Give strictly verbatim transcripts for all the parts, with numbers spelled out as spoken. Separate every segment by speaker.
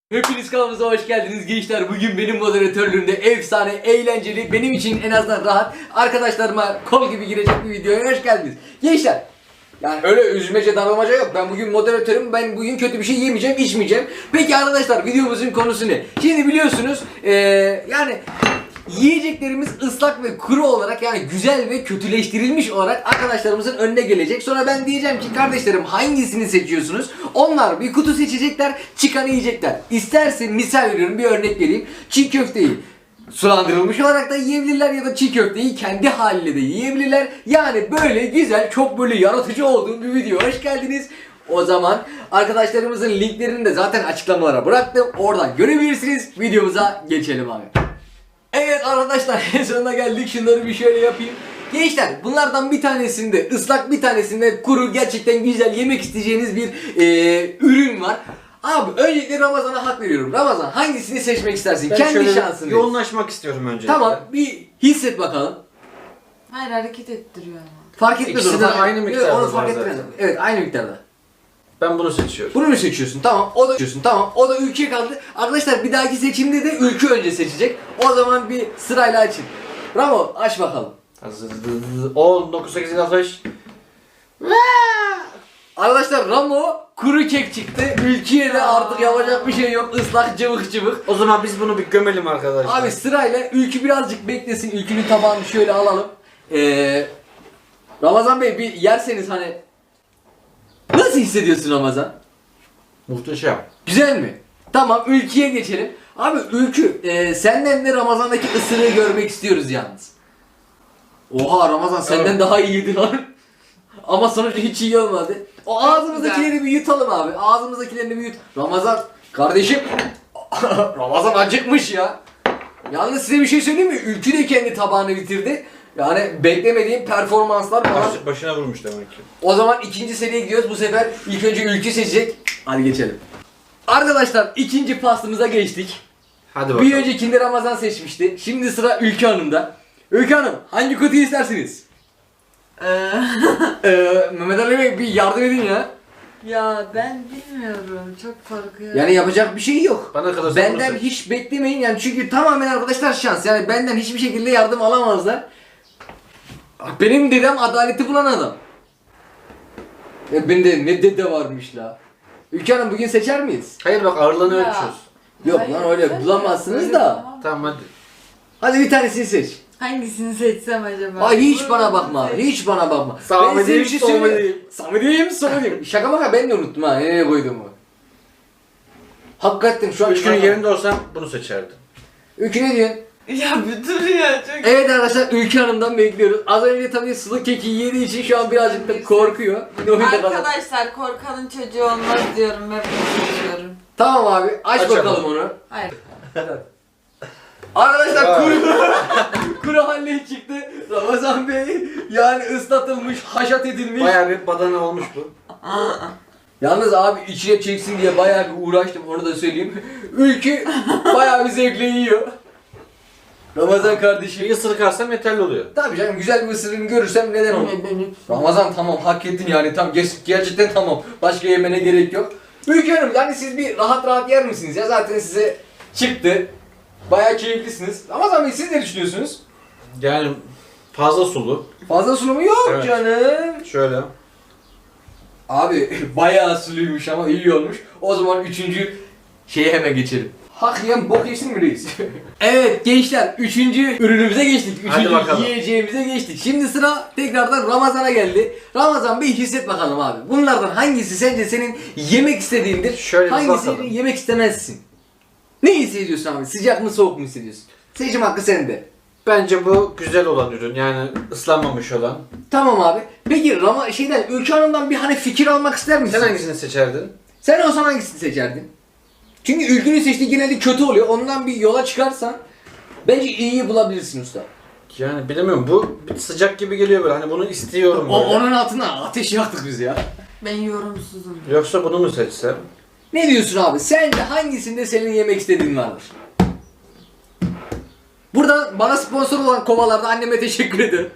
Speaker 1: Hepiniz kanalımıza hoş geldiniz gençler. Bugün benim moderatörlüğümde efsane, eğlenceli, benim için en azından rahat, arkadaşlarıma kol gibi girecek bir videoya hoş geldiniz. Gençler, yani öyle üzmece darlamaca yok. Ben bugün moderatörüm, ben bugün kötü bir şey yemeyeceğim, içmeyeceğim. Peki arkadaşlar, videomuzun konusu ne? Şimdi biliyorsunuz, ee, yani yiyeceklerimiz ıslak ve kuru olarak, yani güzel ve kötüleştirilmiş olarak arkadaşlarımızın önüne gelecek. Sonra ben diyeceğim ki kardeşlerim hangisini seçiyorsunuz? Onlar bir kutu seçecekler, çıkanı yiyecekler. İsterse misal veriyorum, bir örnek vereyim. Çiğ köfteyi sulandırılmış olarak da yiyebilirler ya da çiğ köfteyi kendi haliyle de yiyebilirler. Yani böyle güzel, çok böyle yaratıcı olduğum bir video. Hoş geldiniz. O zaman arkadaşlarımızın linklerini de zaten açıklamalara bıraktım. Oradan görebilirsiniz. Videomuza geçelim abi. Evet arkadaşlar, en sonuna geldik. Şunları bir şöyle yapayım. Gençler, bunlardan bir tanesinde ıslak, bir tanesinde kuru, gerçekten güzel yemek isteyeceğiniz bir e, ürün var. Abi öncelikle Ramazan'a hak veriyorum. Ramazan, hangisini seçmek istersin?
Speaker 2: Ben
Speaker 1: Kendi şansını.
Speaker 2: yoğunlaşmak istiyorum öncelikle.
Speaker 1: Tamam, bir hisset bakalım.
Speaker 3: Hayır, hareket ettiriyor ama.
Speaker 1: Fark etmez.
Speaker 2: İkisi de
Speaker 1: onu.
Speaker 2: aynı miktarda
Speaker 1: Onu
Speaker 2: var
Speaker 1: fark
Speaker 2: zaten.
Speaker 1: etmez. Evet, aynı miktarda.
Speaker 2: Ben bunu seçiyorum.
Speaker 1: Bunu mu seçiyorsun? Tamam. O da seçiyorsun. Tamam. O da ülke kaldı. Arkadaşlar bir dahaki seçimde de ülke önce seçecek. O zaman bir sırayla açın. Bravo, aç bakalım.
Speaker 2: on, dokuz, sekiz, altı, beş.
Speaker 1: Arkadaşlar Ramo kuru kek çıktı. Ülkeye de artık yapacak bir şey yok. Islak cıvık cıvık.
Speaker 2: O zaman biz bunu bir gömelim arkadaşlar.
Speaker 1: Abi sırayla Ülkü birazcık beklesin. Ülkünün tabağını şöyle alalım. Ee, Ramazan Bey bir yerseniz hani nasıl hissediyorsun Ramazan?
Speaker 2: Muhteşem.
Speaker 1: Güzel mi? Tamam, Ülkü'ye geçelim. Abi Ülkü, e, senden de Ramazan'daki ısırığı görmek istiyoruz yalnız. Oha Ramazan senden
Speaker 2: Evet.
Speaker 1: daha iyiydi lan. Ama sonuçta hiç iyi olmadı. O ağzımızdakileri bir yutalım abi. Ağzımızdakilerini bir yut. Ramazan kardeşim. Ramazan acıkmış ya. Yalnız size bir şey söyleyeyim mi? Ülkü de kendi tabağını bitirdi. Yani beklemediğim performanslar falan.
Speaker 2: Baş, başına vurmuş demek ki.
Speaker 1: O zaman ikinci seriye gidiyoruz. Bu sefer ilk önce Ülkü seçecek. Hadi geçelim. Arkadaşlar ikinci pastımıza geçtik.
Speaker 2: Hadi bakalım.
Speaker 1: Bir öncekinde Ramazan seçmişti. Şimdi sıra Ülkü Hanım'da. Ülkü Hanım, hangi kutuyu istersiniz?
Speaker 3: Ee,
Speaker 1: Ee, Mehmet Ali Bey bir yardım edin ya.
Speaker 3: ya ben bilmiyorum, çok korkuyorum.
Speaker 1: Yani yapacak bir şey yok.
Speaker 2: Bana kalırsa
Speaker 1: Benden
Speaker 2: bunu seç.
Speaker 1: hiç beklemeyin yani, çünkü tamamen arkadaşlar şans. Yani benden hiçbir şekilde yardım alamazlar. Benim dedem adaleti bulan adam. Ya bende ne dede varmış la. Ülke Hanım, bugün seçer miyiz?
Speaker 2: Hayır bak ağırlığını
Speaker 3: Ya.
Speaker 2: ölçüyoruz.
Speaker 1: Yok
Speaker 3: Hayır,
Speaker 1: lan, öyle
Speaker 3: sen
Speaker 1: bulamazsınız
Speaker 3: öyle
Speaker 1: da.
Speaker 3: bulamam.
Speaker 2: Tamam hadi.
Speaker 1: Hadi bir tanesini seç.
Speaker 3: Hangisini seçsem acaba?
Speaker 1: Ay hiç
Speaker 3: Bunu
Speaker 1: bana bakma,
Speaker 3: seç-
Speaker 1: hiç bana bakma.
Speaker 2: Sağ
Speaker 1: Ben size
Speaker 2: diyeyim,
Speaker 1: bir şey
Speaker 2: sol
Speaker 1: söyleyeyim.
Speaker 2: diyeyim.
Speaker 1: Samediyim, Samediyim. Şaka maka ben de unuttum ha, nereye koyduğumu. Hakikaten şu an
Speaker 2: Üç günün yerinde olsam bunu seçerdim.
Speaker 1: Ülkü ne diyorsun?
Speaker 3: Ya bir dur ya, çok...
Speaker 1: Evet arkadaşlar, Ülkü Hanım'dan bekliyoruz. Az önce tabii sulu keki yediği için şu an birazcık da korkuyor. Yine oyunda kazan-
Speaker 3: Arkadaşlar, korkanın çocuğu olmaz diyorum, hep bunu seçiyorum.
Speaker 1: Tamam abi, aç
Speaker 2: Açalım.
Speaker 1: bakalım onu.
Speaker 3: Hayır.
Speaker 1: Arkadaşlar
Speaker 2: Vay.
Speaker 1: kuru kuru halle çıktı. Ramazan Bey yani ıslatılmış, haşat edilmiş.
Speaker 2: Bayağı bir badana olmuş bu.
Speaker 1: Yalnız abi içine çeksin diye bayağı bir uğraştım, onu da söyleyeyim. Ülkü bayağı bir zevkle yiyor. Ramazan kardeşim.
Speaker 2: Bir ısırık alsam yeterli oluyor.
Speaker 1: Tabii canım, güzel bir ısırığını görürsem neden olmaz. Ramazan tamam, hak ettin yani, tam ger- gerçekten tamam. Başka yemene gerek yok. Ülkü Hanım, yani siz bir rahat rahat yer misiniz ya? Zaten size çıktı. Bayağı keyiflisiniz. Ramazan Bey, siz ne düşünüyorsunuz?
Speaker 2: Yani fazla sulu.
Speaker 1: Fazla sunumu yok
Speaker 2: Evet.
Speaker 1: canım.
Speaker 2: Şöyle.
Speaker 1: Abi bayağı suluymuş ama iyi olmuş. O zaman üçüncü şeye hemen geçelim. Hak yiyen bok yesin mi reis? Evet gençler, üçüncü ürünümüze geçtik.
Speaker 2: Hadi
Speaker 1: Üçüncü
Speaker 2: bakalım.
Speaker 1: yiyeceğimize geçtik. Şimdi sıra tekrardan Ramazan'a geldi. Ramazan Bey, hisset bakalım abi. Bunlardan hangisi sence senin yemek istediğindir?
Speaker 2: Şöyle bir
Speaker 1: hangisi
Speaker 2: bakalım.
Speaker 1: yemek istemezsin? Ne hissediyorsun abi? Sıcak mı soğuk mu hissediyorsun? Seçim hakkı sende.
Speaker 2: Bence bu güzel olan ürün, yani ıslanmamış olan.
Speaker 1: Tamam abi. Peki Rama şeyden, Ülke Hanım'dan bir hani fikir almak ister misin?
Speaker 2: Sen hangisini seçerdin?
Speaker 1: Sen olsan hangisini seçerdin? Çünkü Ülkü'nün seçtiği genelde kötü oluyor. Ondan bir yola çıkarsan bence iyiyi bulabilirsin usta.
Speaker 2: Yani bilemiyorum, bu bir sıcak gibi geliyor böyle, hani bunu istiyorum
Speaker 1: O,
Speaker 2: böyle.
Speaker 1: onun altına ateş yaktık biz ya.
Speaker 3: Ben yorumsuzum.
Speaker 2: Yoksa bunu mu seçsem?
Speaker 1: Ne diyorsun abi? Sen de hangisinde senin yemek istediğin vardır? Burada bana sponsor olan kovalarda anneme teşekkür ederim.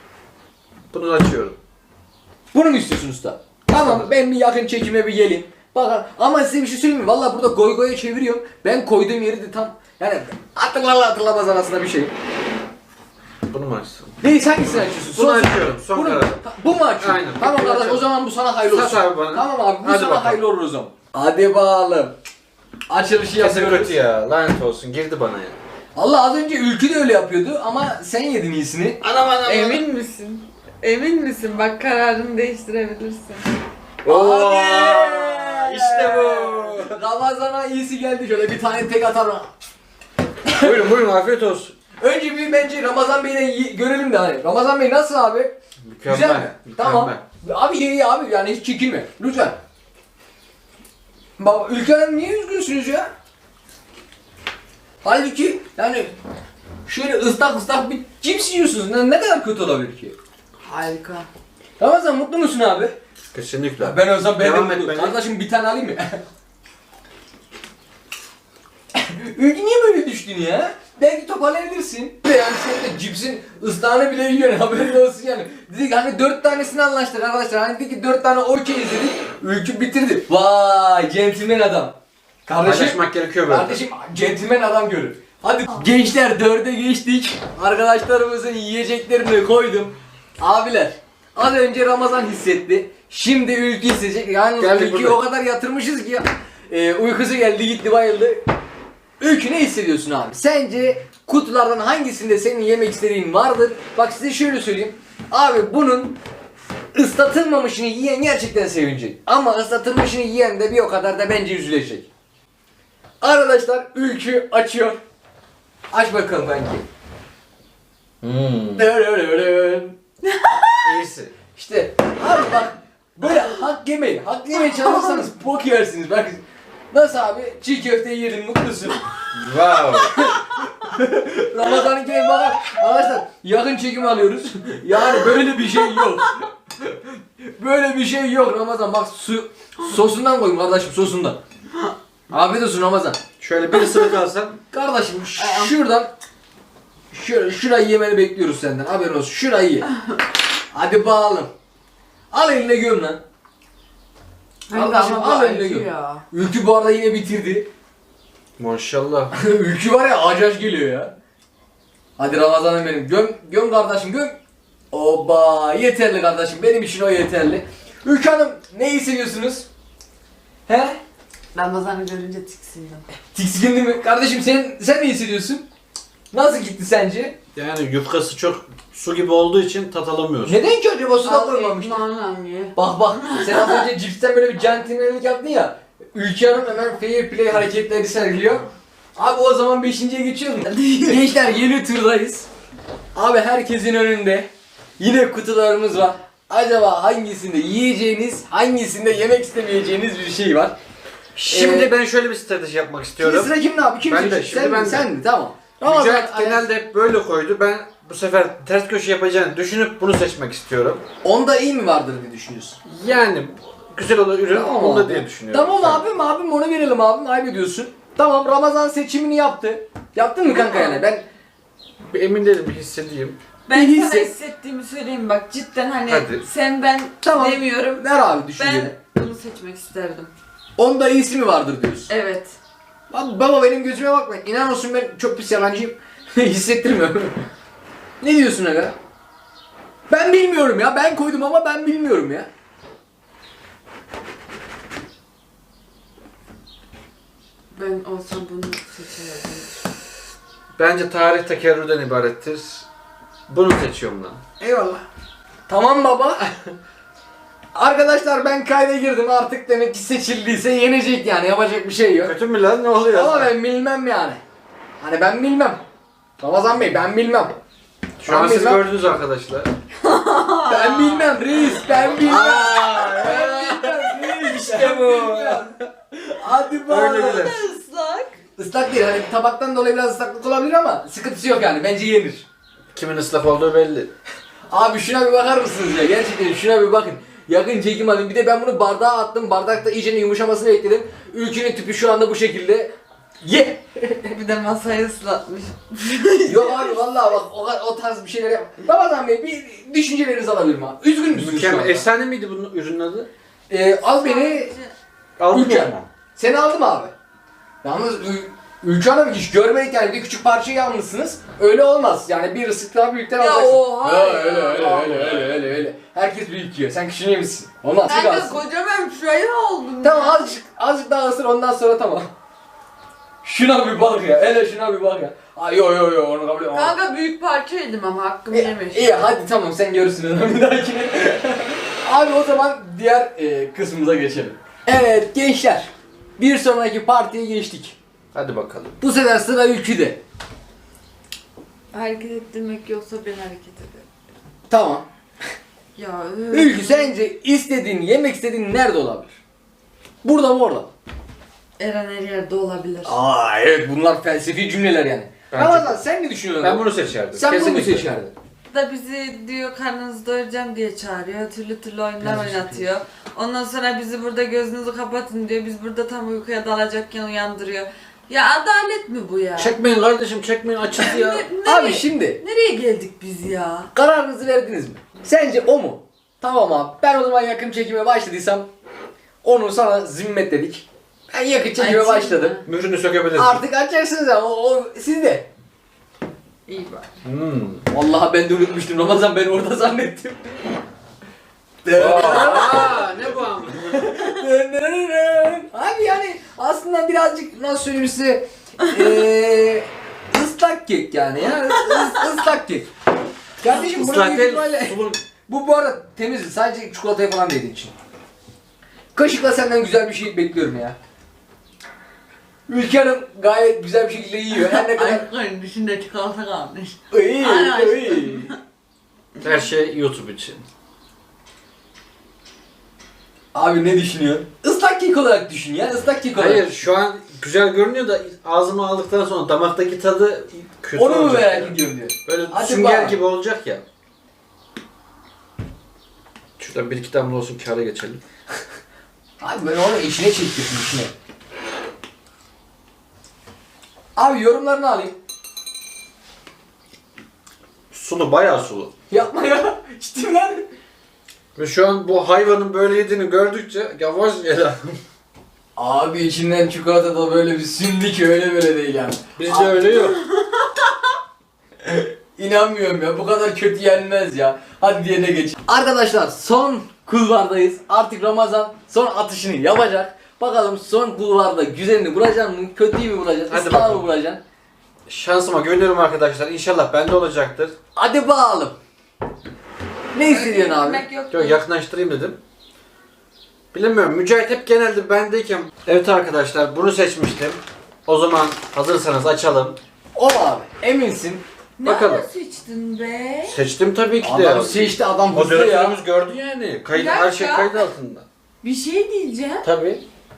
Speaker 2: Bunu açıyorum.
Speaker 1: Bunu mu istiyorsun usta? Tamam, ben bir yakın çekime bir geleyim. Bakın ama size bir şey söyleyeyim mi? Valla burada goy goya çeviriyorum. Ben koyduğum yeri de tam yani hatırlarla hatırlamaz arasında bir şey.
Speaker 2: Bunu mu açsın?
Speaker 1: Neyse hangisini açıyorsun?
Speaker 2: Bunu
Speaker 1: Son-
Speaker 2: açıyorum, son
Speaker 1: Bunu mu?
Speaker 2: karar.
Speaker 1: Ha, Bu mu açıyorsun?
Speaker 2: Aynen.
Speaker 1: Tamam
Speaker 2: Bir
Speaker 1: kardeş o
Speaker 2: açalım.
Speaker 1: zaman bu sana hayırlı olsun.
Speaker 2: Sat abi bana.
Speaker 1: Tamam abi bu
Speaker 2: Hadi
Speaker 1: sana
Speaker 2: bakalım.
Speaker 1: hayırlı olur o zaman. Hadi bakalım. Açılışı
Speaker 2: Kesin
Speaker 1: yapıyoruz.
Speaker 2: kötü ya. Lanet olsun. Girdi bana ya.
Speaker 1: Allah az önce Ülkü de öyle yapıyordu ama sen yedin iyisini.
Speaker 2: Anam anam.
Speaker 3: Emin misin? Emin misin? Bak kararını değiştirebilirsin.
Speaker 2: Oo,
Speaker 1: Hadi!
Speaker 2: işte bu.
Speaker 1: Ramazan'a iyisi geldi şöyle bir tane tek atarım.
Speaker 2: Buyurun buyurun afiyet olsun.
Speaker 1: Önce bir bence Ramazan Bey'le y- görelim de hani. Ramazan Bey nasıl abi?
Speaker 2: Mükemmel.
Speaker 1: Güzel mi?
Speaker 2: Mükemmel.
Speaker 1: Tamam. Abi ye ye abi yani hiç çekinme. Lütfen. Bak Ülke Hanım niye üzgünsünüz ya? Halbuki yani şöyle ıslak ıslak bir cips yiyorsunuz. Ne, ne kadar kötü olabilir ki?
Speaker 3: Harika.
Speaker 1: Ramazan mutlu musun abi?
Speaker 2: Kesinlikle.
Speaker 1: Ben olsam ben de
Speaker 2: Devam et
Speaker 1: mutlu.
Speaker 2: beni.
Speaker 1: Kardeşim bir tane alayım mı? Ülke niye böyle düştün ya? Belki toparlayabilirsin. Yani sen de cipsin ıslahını bile yiyorsun haberin olsun yani. Dedik hani dört tanesini anlaştık arkadaşlar. Hani dedik ki dört tane okey dedik. Ülkü bitirdi. Vay centilmen adam. Kardeşim,
Speaker 2: Paylaşmak gerekiyor böyle.
Speaker 1: kardeşim centilmen adam görür. Hadi gençler dörde geçtik. Arkadaşlarımızın yiyeceklerini koydum. Abiler az önce Ramazan hissetti. Şimdi Ülkü hissedecek. Yani
Speaker 2: Geldik
Speaker 1: Ülkü'yü
Speaker 2: burada.
Speaker 1: o kadar yatırmışız ki e, uykusu geldi gitti bayıldı. Ülkü ne hissediyorsun abi? Sence kutulardan hangisinde senin yemek istediğin vardır? Bak size şöyle söyleyeyim. Abi bunun ıslatılmamışını yiyen gerçekten sevinecek. Ama ıslatılmışını yiyen de bir o kadar da bence üzülecek. Arkadaşlar Ülkü açıyor. Aç bakalım bence.
Speaker 2: Hmm.
Speaker 1: Dırırırın.
Speaker 2: İyisi.
Speaker 1: İşte abi bak böyle hak yemeyin. Hak yemeye çalışırsanız bok yersiniz. Bak nasıl abi? Çiğ köfteyi yedin mutlusun.
Speaker 2: Wow.
Speaker 1: Ramazan'ın keyif bakar. Arkadaşlar yakın çekim alıyoruz. Yani böyle bir şey yok. Böyle bir şey yok Ramazan. Bak su sosundan koyun kardeşim sosundan. Afiyet olsun Ramazan.
Speaker 2: Şöyle bir ısırık alsam.
Speaker 1: Kardeşim ş- şuradan şöyle şurayı yemeni bekliyoruz senden. Haberin olsun. Şurayı ye. Hadi bağalım. Al eline göm lan. Kardeşim
Speaker 3: ama
Speaker 1: al
Speaker 3: bu
Speaker 1: eline
Speaker 3: acı
Speaker 1: göm.
Speaker 3: ya.
Speaker 1: Ülkü bu arada yine bitirdi.
Speaker 2: Maşallah.
Speaker 1: Ülkü var ya acaş geliyor ya. Hadi Ramazan'ım benim. Göm, göm kardeşim göm. Oba yeterli kardeşim. Benim için o yeterli. Ülkü Hanım ne hissediyorsunuz? He?
Speaker 3: Ramazan'ı görünce tiksindim.
Speaker 1: Tiksindi mi? Kardeşim sen sen ne hissediyorsun? Nasıl gitti sence?
Speaker 2: Yani yufkası çok su gibi olduğu için tat alamıyorsun.
Speaker 1: Neden ki acaba suda
Speaker 3: Al
Speaker 1: koymamıştı?
Speaker 3: ekmeğinden ye.
Speaker 1: Bak bak sen az önce cipsten böyle bir centilmenlik yaptın ya. Ülke Hanım hemen fair play hareketleri sergiliyor. Abi o zaman beşinciye geçiyoruz. Gençler yeni turdayız. Abi herkesin önünde yine kutularımız var. Acaba hangisinde yiyeceğiniz, hangisinde yemek istemeyeceğiniz bir şey var.
Speaker 2: Şimdi
Speaker 1: Ee,
Speaker 2: ben şöyle bir strateji yapmak
Speaker 1: Şimdi
Speaker 2: istiyorum.
Speaker 1: sıra kimde abi? Kim
Speaker 2: Ben de,
Speaker 1: seçecek?
Speaker 2: şimdi
Speaker 1: Sen
Speaker 2: ben
Speaker 1: mi?
Speaker 2: de.
Speaker 1: Sen mi? Tamam.
Speaker 2: Mücahit
Speaker 1: Ramazan-
Speaker 2: genelde hep böyle koydu. Ben bu sefer ters köşe yapacağını düşünüp bunu seçmek istiyorum.
Speaker 1: Onda iyi mi vardır diye düşünüyorsun?
Speaker 2: Yani güzel olur ürün
Speaker 1: Tamam
Speaker 2: onda
Speaker 1: abi.
Speaker 2: diye düşünüyorum.
Speaker 1: Tamam abim abim onu verelim abim ayıp ediyorsun. Tamam Ramazan seçimini yaptı. Yaptın mı kanka yani? Ben
Speaker 2: Bir emin değilim bir hissedeyim.
Speaker 3: Ben
Speaker 1: İyi
Speaker 3: sana
Speaker 1: hisset.
Speaker 3: hissettiğimi söyleyeyim bak cidden hani
Speaker 2: Hadi.
Speaker 3: sen ben
Speaker 1: Tamam.
Speaker 3: demiyorum.
Speaker 1: ver abi düşünceni.
Speaker 3: Ben bunu seçmek isterdim.
Speaker 1: Onda iyisi mi vardır diyorsun?
Speaker 3: Evet.
Speaker 1: Abi baba benim gözüme bakma. İnan olsun ben çok pis yalancıyım. Hissettirmiyorum. Ne diyorsun aga? Ben bilmiyorum ya. Ben koydum ama ben bilmiyorum ya.
Speaker 3: Ben olsam bunu seçerdim.
Speaker 2: Bence tarih tekerrürden ibarettir. Bunu seçiyorum lan.
Speaker 1: Eyvallah. Tamam baba. Arkadaşlar ben kayda girdim artık demek ki seçildiyse yenecek yani yapacak bir şey yok.
Speaker 2: Kötü mü lan ne oluyor?
Speaker 1: Ama ben bilmem yani. Hani ben bilmem. Ramazan Bey ben bilmem.
Speaker 2: Şu an
Speaker 1: Ben
Speaker 2: siz
Speaker 1: bilmem.
Speaker 2: gördünüz arkadaşlar.
Speaker 1: Ben bilmem reis ben bilmem.
Speaker 2: Aa,
Speaker 1: Ben bilmem reis.
Speaker 2: İşte bu.
Speaker 1: Hadi
Speaker 2: Öyle
Speaker 1: bakalım.
Speaker 2: gider.
Speaker 3: Islak.
Speaker 1: Islak değil hani tabaktan dolayı biraz ıslaklık olabilir ama sıkıntısı yok yani bence yenir.
Speaker 2: Kimin ıslak olduğu belli.
Speaker 1: Abi şuna bir bakar mısınız ya gerçekten şuna bir bakın. Yakın çekim alayım. Bir de ben bunu bardağa attım. Bardakta iyice yumuşamasını bekledim. Ülkünün tüpü şu anda bu şekilde. Ye!
Speaker 3: Bir de masayı ıslatmış.
Speaker 1: Yok abi vallahi bak o, o tarz bir şeyler yap. Ramazan Bey bir düşüncelerinizi alabilirim abi. Üzgün müsünüz şu
Speaker 2: Mükemmel.
Speaker 1: anda?
Speaker 2: Efsane miydi bunun ürünün adı?
Speaker 1: Ee, al beni
Speaker 2: Aldım
Speaker 1: Ülke.
Speaker 2: ama.
Speaker 1: Seni aldım abi. Yalnız Ü- Ülke Hanım hiç görmedik yani bir küçük parçayı almışsınız. Öyle olmaz. Yani bir ısık daha büyükten
Speaker 3: Ya
Speaker 1: alacaksın.
Speaker 3: oha
Speaker 1: Ha,
Speaker 3: ya.
Speaker 1: öyle öyle öyle öyle öyle öyle. Herkes büyük yiyor. Sen küçüğünü yemişsin. Olmaz.
Speaker 3: Ben
Speaker 1: Çık
Speaker 3: de
Speaker 1: alsın.
Speaker 3: kocaman şuraya oldum.
Speaker 1: Tamam
Speaker 3: ya.
Speaker 1: azıcık azıcık daha ısır ondan sonra tamam. Şuna bir bak ya. Hele şuna bir bak ya. Ay yo yo yo onu kabul etmem.
Speaker 3: Kanka büyük parça yedim ama hakkımı
Speaker 1: İyi,
Speaker 3: yemiş.
Speaker 1: iyi hadi tamam sen görürsün onu bir dahakine. Abi o zaman diğer e, kısmımıza geçelim. Evet gençler. Bir sonraki partiye geçtik.
Speaker 2: Hadi bakalım.
Speaker 1: Bu sefer sıra Ülkü'de.
Speaker 3: Hareket ettirmek yoksa ben hareket ederim.
Speaker 1: Tamam.
Speaker 3: Ya
Speaker 1: Ülkü sence istediğin, yemek istediğin nerede olabilir? Burada mı orada mı?
Speaker 3: Eren her yerde olabilir.
Speaker 1: Aa evet bunlar felsefi cümleler yani.
Speaker 2: Bence-
Speaker 1: Ramazan sen ne düşünüyorsun?
Speaker 2: Ben bunu seçerdim.
Speaker 1: Sen bunu mu
Speaker 2: Kesinlikle.
Speaker 1: seçerdin?
Speaker 3: Da bizi diyor karnınızı doyuracağım diye çağırıyor. Türlü türlü oyunlar
Speaker 2: Gerçekten.
Speaker 3: oynatıyor. Ondan sonra bizi burada gözünüzü kapatın diyor. Biz burada tam uykuya dalacakken uyandırıyor. Ya adalet mi bu ya?
Speaker 2: Çekmeyin kardeşim çekmeyin açız ya.
Speaker 3: Ne- nereye,
Speaker 1: Abi şimdi
Speaker 3: nereye geldik biz ya?
Speaker 1: kararınızı verdiniz mi? Sence o mu? Tamam abi ben o zaman yakın çekime başladıysam onu sana zimmetledik. Ben yakın çekime
Speaker 3: Açayım
Speaker 1: başladım.
Speaker 3: mı?
Speaker 2: Mührünü sökebilirsin.
Speaker 1: Artık açarsınız ama o, o sizde.
Speaker 3: İyi bak.
Speaker 2: Hmm.
Speaker 1: Vallahi ben de unutmuştum Ramazan ben orada zannettim.
Speaker 2: Aa, ne bu ama?
Speaker 1: Abi yani aslında birazcık nasıl söyleyeyim size eee ıslak kek yani ya Is, ıslak kek. Kardeşim bunu
Speaker 2: Islak
Speaker 1: büyük
Speaker 2: değil,
Speaker 1: ihtimalle
Speaker 2: sulu.
Speaker 1: bu bu arada temiz sadece çikolatayı falan değdiği için. Kaşıkla senden güzel bir şey bekliyorum ya. Ülke Hanım gayet güzel bir şekilde yiyor. Her ne kadar
Speaker 3: Aşkın dışında çikolata kalmış.
Speaker 1: iyi
Speaker 3: Ay,
Speaker 1: iyi.
Speaker 2: Her şey YouTube için.
Speaker 1: Abi ne düşünüyorsun? Islak kek olarak düşün ya ıslak kek olarak.
Speaker 2: Hayır şu an güzel görünüyor da ağzıma aldıktan sonra damaktaki tadı kötü
Speaker 1: Onu mu
Speaker 2: olacak.
Speaker 1: merak
Speaker 2: ya.
Speaker 1: ediyorum diyor.
Speaker 2: Böyle
Speaker 1: Hadi
Speaker 2: sünger
Speaker 1: bak.
Speaker 2: gibi olacak ya. Şuradan bir iki damla olsun kâra geçelim.
Speaker 1: Abi ben onu işine çekiyorsun işine. Abi yorumlarını alayım.
Speaker 2: Sulu bayağı sulu.
Speaker 1: Yapma ya. Ciddi lan.
Speaker 2: Ve şu an bu hayvanın böyle yediğini gördükçe yavaş yere.
Speaker 1: Abi içinden çikolata da böyle bir sündü ki öyle böyle değil yani.
Speaker 2: Bizde öyle yok.
Speaker 1: İnanmıyorum ya bu kadar kötü yenmez ya. Hadi diğerine geç. Arkadaşlar son kulvardayız. Artık Ramazan son atışını yapacak. Bakalım son kulvarda güzelini bulacaksın mı? Kötüyü mü bulacaksın?
Speaker 2: Hadi
Speaker 1: Islahı mı
Speaker 2: bakalım.
Speaker 1: bulacaksın?
Speaker 2: Şansıma güveniyorum arkadaşlar. İnşallah bende olacaktır.
Speaker 1: Hadi bakalım. Ne hissediyorsun abi?
Speaker 3: Yemek yok.
Speaker 2: Yok yakınlaştırayım dedim. Bilemiyorum. Mücahit hep genelde bendeyken. Evet arkadaşlar bunu seçmiştim. O zaman hazırsanız açalım.
Speaker 1: O abi eminsin.
Speaker 3: Ne
Speaker 2: Bakalım.
Speaker 3: ara seçtin be?
Speaker 2: Seçtim tabii ki de.
Speaker 1: Adam seçti adam hızlı ya.
Speaker 2: Moderatörümüz gördü yani. Kayıt,
Speaker 3: Bir
Speaker 2: her şey
Speaker 3: dakika.
Speaker 2: kayıt altında.
Speaker 3: Bir şey diyeceğim.
Speaker 2: Tabii.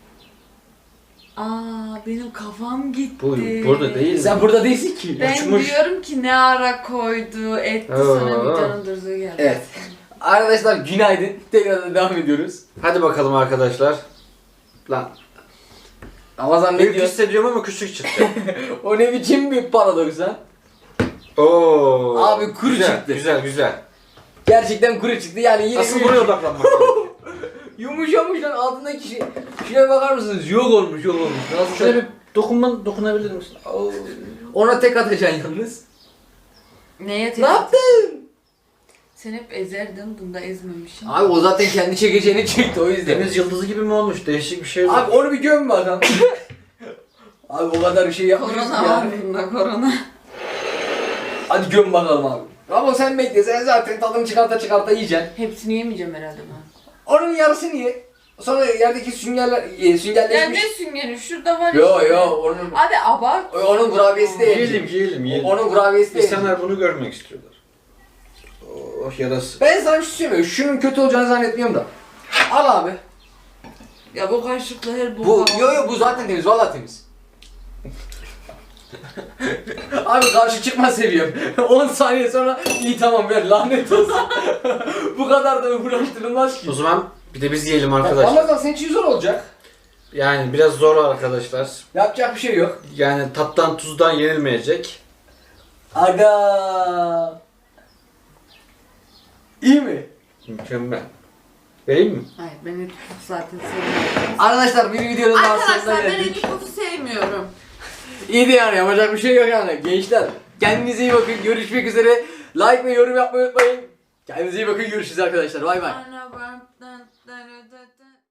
Speaker 3: Aa benim kafam gitti.
Speaker 2: Bu burada değil.
Speaker 1: Sen burada değilsin ki.
Speaker 3: Ben
Speaker 2: uçmuş.
Speaker 3: diyorum ki ne ara koydu, etti
Speaker 2: Aa.
Speaker 3: sonra videonun durduğu geldi.
Speaker 1: Evet. Arkadaşlar günaydın. Tekrar devam ediyoruz.
Speaker 2: Hadi bakalım arkadaşlar. Lan.
Speaker 1: Ramazan ne
Speaker 2: Büyük
Speaker 1: diyor?
Speaker 2: hissediyorum ama küçük çıktı.
Speaker 1: O ne biçim bir paradoks ha?
Speaker 2: Oo.
Speaker 1: Abi kuru
Speaker 2: güzel,
Speaker 1: çıktı.
Speaker 2: Güzel güzel.
Speaker 1: Gerçekten kuru çıktı yani yine
Speaker 2: Asıl
Speaker 1: bir-
Speaker 2: buraya odaklanmak lazım.
Speaker 1: Yumuşamış lan altındaki şey. Şuraya bakar mısınız? Yok olmuş yok olmuş. Nasıl
Speaker 2: Şöyle bir dokunman dokunabilir misin? Oo.
Speaker 1: Ona tek atacaksın yalnız.
Speaker 3: Neye tek
Speaker 1: Ne yaptın?
Speaker 3: Sen hep ezerdin, bunda ezmemişsin.
Speaker 1: Abi o zaten kendi çekeceğini çekti o yüzden.
Speaker 2: Deniz yıldızı gibi mi olmuş? Değişik bir şey yok.
Speaker 1: Abi onu bir göm bakalım. Abi o kadar bir şey yapmışız
Speaker 3: Korona var
Speaker 1: yani.
Speaker 3: bunda, korona.
Speaker 1: Hadi göm bakalım abi. Ama sen bekle sen zaten tadını çıkarta çıkarta yiyeceksin.
Speaker 3: Hepsini yemeyeceğim herhalde ben.
Speaker 1: Onun yarısını ye. Sonra yerdeki süngerler, e,
Speaker 3: Ya
Speaker 1: süngerleşmiş.
Speaker 3: ne süngeri? Şurada var
Speaker 1: Yo
Speaker 3: işte.
Speaker 1: yo onun
Speaker 3: Hadi abart.
Speaker 1: onun kurabiyesi de
Speaker 2: Yiyelim
Speaker 1: yenecek.
Speaker 2: yiyelim yiyelim.
Speaker 1: Onun kurabiyesi de yenecek.
Speaker 2: İnsanlar bunu görmek istiyorlar. Oh yarası.
Speaker 1: Ben sana bir şey söyleyeyim. Şunun kötü olacağını zannetmiyorum da. Al abi.
Speaker 3: Ya bu kaşıkla her
Speaker 1: Bu
Speaker 3: boka-
Speaker 1: yo yo bu zaten temiz. Vallahi temiz. Abi karşı çıkma seviyem. on saniye sonra iyi tamam ver lanet olsun. Bu kadar da uğraştırılmaz ki.
Speaker 2: O zaman bir de biz yiyelim arkadaşlar.
Speaker 1: Ramazan senin için zor olacak.
Speaker 2: Yani biraz zor arkadaşlar.
Speaker 1: Yapacak bir şey yok.
Speaker 2: Yani tattan tuzdan yenilmeyecek.
Speaker 1: Aga. İyi mi?
Speaker 2: Mükemmel. Vereyim mi?
Speaker 3: Hayır ben eti pufu zaten sevmiyorum.
Speaker 1: Arkadaşlar bir videonun daha sonuna
Speaker 3: Arkadaşlar ben
Speaker 1: geldik.
Speaker 3: eti pufu sevmiyorum.
Speaker 1: İyi de yani yapacak bir şey yok yani. Gençler kendinize iyi bakın. Görüşmek üzere. Like ve yorum yapmayı unutmayın. Kendinize iyi bakın. Görüşürüz arkadaşlar. Bay bay.
Speaker 3: Ana, ben- ben- ben-